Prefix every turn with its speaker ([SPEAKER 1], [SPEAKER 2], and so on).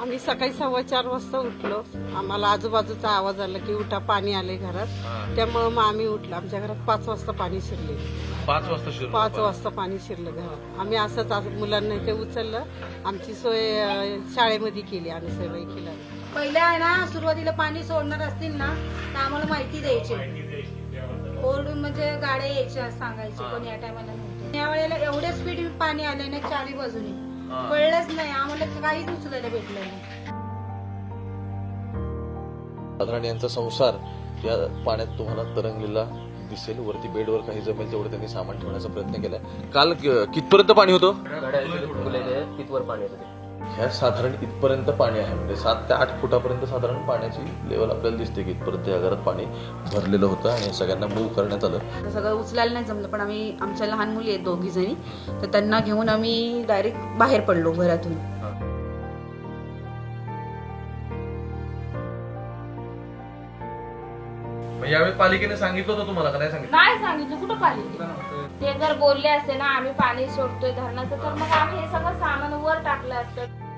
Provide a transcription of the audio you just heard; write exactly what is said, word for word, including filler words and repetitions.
[SPEAKER 1] आम्ही सकाळी सव्वा चार वाजता उठलो. आम्हाला आजूबाजूचा आवाज आला की उठा, पाणी आले घरात. त्यामुळे मग आम्ही उठलो. आमच्या घरात पाच वाजता पाणी शिरले.
[SPEAKER 2] पाच वाजता शिरलं
[SPEAKER 1] पाच वाजता पाणी शिरलं घरात. आम्ही असंच आज मुलांना इथे उचललं. आमची सोय अं, शाळेमध्ये केली आम्ही सगळं केलं.
[SPEAKER 3] पहिल्या आहे ना सुरुवातीला पाणी सोडणार असतील ना तर आम्हाला माहिती द्यायची. ओरडून म्हणजे गाड्या यायच्या सांगायची कोणी या टायमाला नव्हतं. या वेळेला एवढ्या स्पीड पाणी आले ना चारी बाजूने कळलंच नाही आम्हाला, काहीच उचलायला भेटलं नाही.
[SPEAKER 2] साधारण यांचा संसार या पाण्यात तुम्हाला तरंगलेला दिसेल. वरती बेडवर काही जमेल तेवढं त्यांनी सामान ठेवण्याचा प्रयत्न केलाय. काल कितपर्यंत पाणी होतं?
[SPEAKER 4] तिथवर पाणी होतं.
[SPEAKER 2] ह्या साधारण इथपर्यंत पाणी आहे, म्हणजे सात ते आठ फुटापर्यंत साधारण पाण्याची लेवल आपल्याला दिसते की इथपर्यंत या घरात पाणी भरलेलं होतं आणि सगळ्यांना मूव्ह करण्यात आलं.
[SPEAKER 5] सगळं उचलायला नाही जमलं, पण आम्ही आमच्या लहान मुली आहेत दोघी जणी, तर त्यांना घेऊन आम्ही डायरेक्ट बाहेर पडलो घरातून.
[SPEAKER 2] यावेळी पालिकेने सांगितलं होतं तुम्हाला का नाही सांगितलं?
[SPEAKER 6] नाही सांगितलं. कुठं पाहिजे ते जर बोलले असते ना आम्ही पाणी सोडतोय धरणाचं, तर मग आम्ही हे सगळं सामान वर टाकलं असतं.